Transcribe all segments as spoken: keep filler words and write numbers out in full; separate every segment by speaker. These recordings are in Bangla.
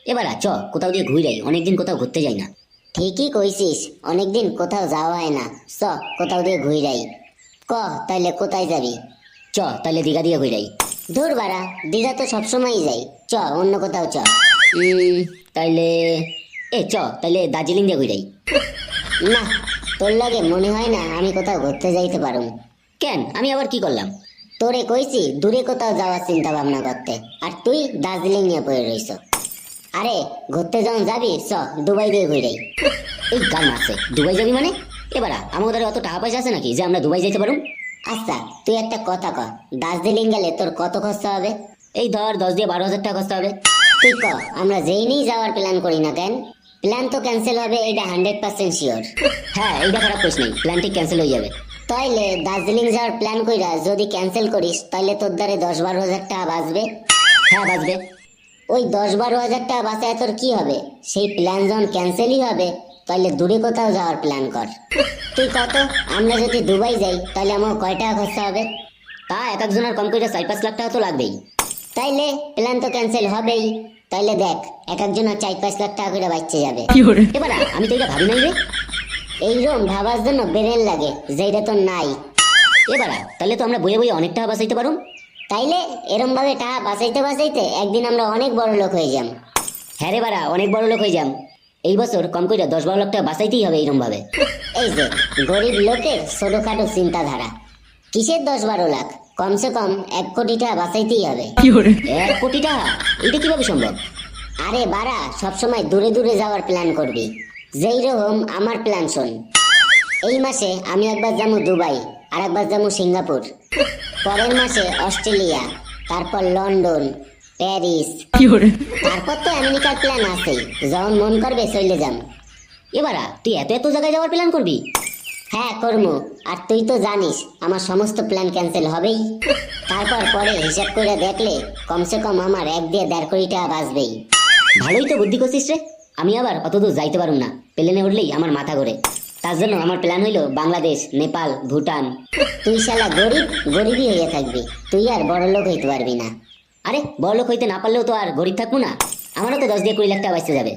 Speaker 1: এবার চ কোথাও দিয়ে ঘুরে যাই, অনেকদিন কোথাও ঘুরতে যাই না।
Speaker 2: ঠিকই কইছিস, অনেকদিন কোথাও যাওয়া হয় না। চ কোথাও দিয়ে ঘুরে যাই। ক তাইলে কোথায় যাবি?
Speaker 1: চ তাহলে দীঘা দিয়ে ঘুরে যাই।
Speaker 2: দূর বাড়া, দীঘা তো সবসময়ই যাই। চ অন্য কোথাও চ।
Speaker 1: উম, তাইলে এ চ তাইলে দার্জিলিং দিয়ে ঘুরে যাই।
Speaker 2: না, তোর লাগে মনে হয় না আমি কোথাও ঘুরতে যাইতে পারুম।
Speaker 1: কেন, আমি আবার কি করলাম?
Speaker 2: তোরে কইছি দূরে কোথাও যাওয়ার চিন্তা ভাবনা করতে, আর তুই দার্জিলিং নিয়ে পড়ে রইছ। আরে ঘুরতে যখন যাবি চ দুবাই দিয়ে ঘুরে যাই।
Speaker 1: এই গান আছে দুবাই যাবি মানে? এবার আমাদের অত টাকা পয়সা আছে নাকি যে আমরা দুবাই যাইতে পারুম?
Speaker 2: আচ্ছা তুই একটা কথা ক, দার্জিলিং গেলে তোর কত খরচা হবে?
Speaker 1: এই ধর দশ দিয়ে বারো হাজার টাকা খরচা হবে।
Speaker 2: তুই ক, আমরা যেই নিয়ে যাওয়ার প্ল্যান করি না কেন, প্ল্যান তো ক্যান্সেল হবে, এটা হান্ড্রেড পার্সেন্ট শিওর।
Speaker 1: হ্যাঁ এইটা খারাপ করিস নাই, প্ল্যানটি ক্যান্সেল হয়ে যাবে।
Speaker 2: তাইলে দার্জিলিং যাওয়ার প্ল্যান কইরা যদি ক্যান্সেল করিস তাইলে তোর দ্বারে দশ বারো হাজার টাকা বাঁচবে।
Speaker 1: হ্যাঁ বাঁচবে।
Speaker 2: ওই দশ বারো হাজার টাকা বাঁচায় তোর কি হবে? সেই প্ল্যান যখন ক্যান্সেলই হবে তাইলে দূরে কোথাও যাওয়ার প্ল্যান কর। তুই কত, আমরা যদি দুবাই যাই তাহলে আমার কয় টাকা খরচা হবে?
Speaker 1: তা এক একজনের কম করে চার পাঁচ লাখ টাকা তো লাগবেই।
Speaker 2: তাইলে প্ল্যান তো ক্যান্সেল হবেই। তাইলে দেখ এক একজনের চার পাঁচ লাখ টাকা করে বাঁচতে যাবে।
Speaker 1: এবার আমি তো এটা ভাবি নাই রে।
Speaker 2: এইরকম ভাবার জন্য ব্রেন লাগে, যেটা তো নাই।
Speaker 1: এবার তাহলে তো আমরা বইয়ে বইয়ে অনেক টাকা বাঁচাইতে পারুম।
Speaker 2: তাইলে এরম ভাবে টাকা বাঁচাইতে বাঁচাইতে একদিন আমরা অনেক বড় লোক হয়ে যাম।
Speaker 1: হ্যাঁ রে বাড়া, অনেক বড় লোক হয়ে যাম। এই বছর কম করে দশ বারো লাখ টাকা বাঁচাইতেই হবে এইরকম ভাবে।
Speaker 2: এই যে গরিব লোকের ছোটখাটো চিন্তাধারা, কিসের দশ বারো লাখ, কমসে কম এক কোটি টাকা বাঁচাইতেই হবে।
Speaker 1: এক কোটি টাকা? এটা কিভাবে সম্ভব?
Speaker 2: আরে বাড়া, সবসময় দূরে দূরে যাওয়ার প্ল্যান করবি। যেই রকম আমার প্ল্যান শোন, এই মাসে আমি একবার যাবো দুবাই, আর একবার যাবো সিঙ্গাপুর, পরের মাসে অস্ট্রেলিয়া, তারপর লন্ডন, প্যারিস, তারপর তো আমেরিকার প্ল্যান আছেই, যখন মন করবে চলে যাম।
Speaker 1: এবারা তুই এত এত জায়গায় যাওয়ার প্ল্যান করবি?
Speaker 2: হ্যাঁ করবো, আর তুই তো জানিস আমার সমস্ত প্ল্যান ক্যান্সেল হবেই। তারপর পরে হিসাব করে দেখলে কমসে কম আমার এক দিয়ে দেড় কোটি টাকা বাঁচবেই।
Speaker 1: ভালোই তো বুদ্ধি করছিস রে। আমি আবার অত দূর যাইতে পারুম না, প্লেনে উঠলেই আমার মাথা ঘোরে। তার জন্য আমার প্ল্যান হইলো বাংলাদেশ, নেপাল, ভুটান।
Speaker 2: তুই শালা গরিব গরিবই হয়ে থাকবি, তুই আর বড় লোক হইতে পারবি না।
Speaker 1: আরে বড় লোক হইতে না পারলেও তো আর গরিব থাকবো না। আমারও তো দশ দিয়ে কুড়ি লাখ টাকা বাঁচতে যাবে।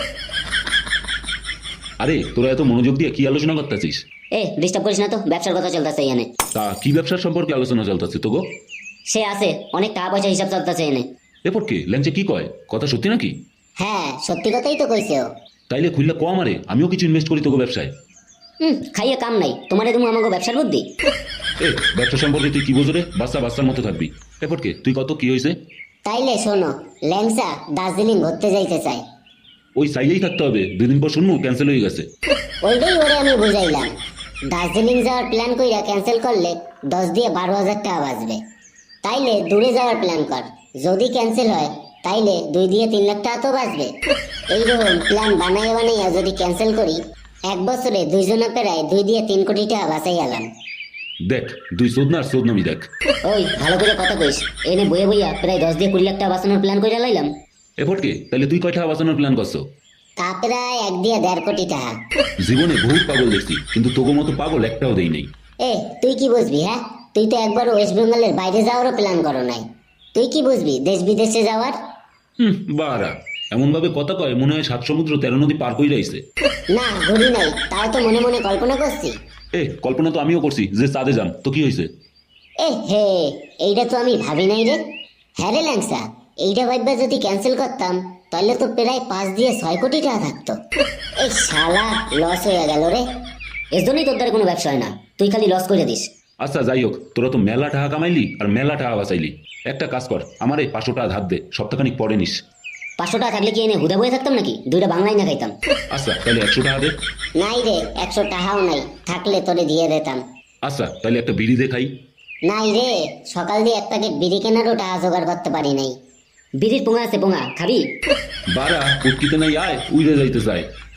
Speaker 3: আরে তোরা এত মনোযোগ দিয়ে কি আলোচনা করতেছিস?
Speaker 1: এ ডিস্টার্ব করিস না তো, ব্যবসার কথা চলতেছে এখানে।
Speaker 3: তা কি ব্যবসার সম্পর্কে আলোচনা চলতেছে তো গো?
Speaker 1: সে আছে, অনেক টাকা পয়সা হিসাব চলতেছে এনে।
Speaker 3: এরপর কি ল্যাংচে কি কয়, কথা সত্যি নাকি?
Speaker 2: হ্যাঁ সত্যি কথাই তো কইছে ও।
Speaker 3: তাইলে খুললে কম, আরে আমিও কিছু ইনভেস্ট করি তোকে ব্যবসায়।
Speaker 1: হুম, খাইয়ে কাম নাই তোমারে, তুমি আমাকে ব্যবসার বুদ্ধি।
Speaker 3: এ ব্যবসা সম্পর্কে তুই কি বোঝো রে? বাচ্চা বাচ্চার মতো থাকবি। এরপর কে তুই কত কি হয়েছে?
Speaker 2: তাইলে শোনো, ল্যাংসা দার্জিলিং ঘুরতে যাইতে চাই।
Speaker 3: ওই চাইলেই থাকতে হবে, দুদিন পর শুনবো ক্যান্সেল হয়ে গেছে।
Speaker 2: ওইটাই ওরে আমি বুঝাইলাম, দার্জিলিং যাওয়ার প্ল্যান কইরা ক্যান্সেল করলে দশ দিয়ে বারো হাজার টাকা বাঁচবে। তাইলে দূরে যাওয়ার প্ল্যান কর, যদি ক্যান্সেল হয় তাইলে দুই দিয়ে তিন লাখ টাকা তো বাঁচবে। এইরকম প্ল্যান বানাইয়া বানাইয়া যদি ক্যান্সেল করি, এক বছরে দুইজনে প্রায় দুই দিয়ে তিন কোটি টাকা বাঁচাই গেলাম।
Speaker 3: দেখ দুই চোদনা আর চোদনামি দেখ।
Speaker 1: ওই ভালো করে কথা কইস, এনে বইয়ে বইয়া প্রায় দশ দিয়ে কুড়ি লাখ টাকা বাঁচানোর প্ল্যান করে লাইলাম।
Speaker 3: এরপর কে তাইলে তুই কয় টাকা বাঁচানোর প্ল্যান করছো?
Speaker 2: তা প্রায় এক দিয়ে দেড় কোটি টাকা।
Speaker 3: জীবনে বহুত পাগল দেখছি, কিন্তু তোকে মতো পাগল একটাও দেই নাই।
Speaker 2: এ তুই কি বুঝবি? হ্যাঁ তুই তো একবার ওয়েস্ট বেঙ্গলের বাইরে যাওয়ারও প্ল্যান করো নাই, তুই কি বুঝবি দেশ বিদেশে যাওয়ার?
Speaker 3: হুম বারা, এমন ভাবে কথা কয় মনে হয় সাত সমুদ্র তেরো নদী পার কই রাইছে।
Speaker 2: না ঘুরি নাই, তাও তো মনে মনে কল্পনা করছি।
Speaker 3: এ কল্পনা তো আমিও করছি যে চাঁদে যাম, তো কি হয়েছে?
Speaker 2: এ হে, এইটা তো আমি ভাবি নাই রে। হ্যাঁ রে ল্যাংসা, এইটা ভাববা যদি ক্যান্সেল করতাম তাহলে তো প্রায় পাঁচ দিয়ে ছয় কোটি টাকা থাকতো। এই শালা লস হয়ে গেল রে।
Speaker 1: এর জন্যই তোর দ্বারা কোনো ব্যবসা হয় না, তুই খালি লস করে দিস।
Speaker 3: আচ্ছা যাই হোক, তোরা তো মেলা টাকা কামাইলি আর মেলা টাকা বাঁচাইলি। একটা কাজ কর, আমার এই পাঁচশো টাকা ধার দে, সপ্তাহখানিক পরে নিস।
Speaker 1: পাঁচশো টাকা থাকলে কি এনে হুদা বয়ে থাকতাম নাকি? দুইটা বাংলাই না খাইতাম।
Speaker 3: আচ্ছা তাহলে একশো টাকা দে।
Speaker 2: নাই রে, একশো টাকাও নাই, থাকলে তোরে দিয়ে দিতাম।
Speaker 3: আচ্ছা তাহলে একটা বিড়ি দে খাই।
Speaker 2: নাই রে, সকাল দিয়ে এক প্যাকেট বিড়ি কেনারও টাকা জোগাড় করতে পারি নাই।
Speaker 1: বিড়ির পোঙা আছে, পোঙা খাবি?
Speaker 3: বারা উটকিতে নাই আয় উইরে যাইতে চায়।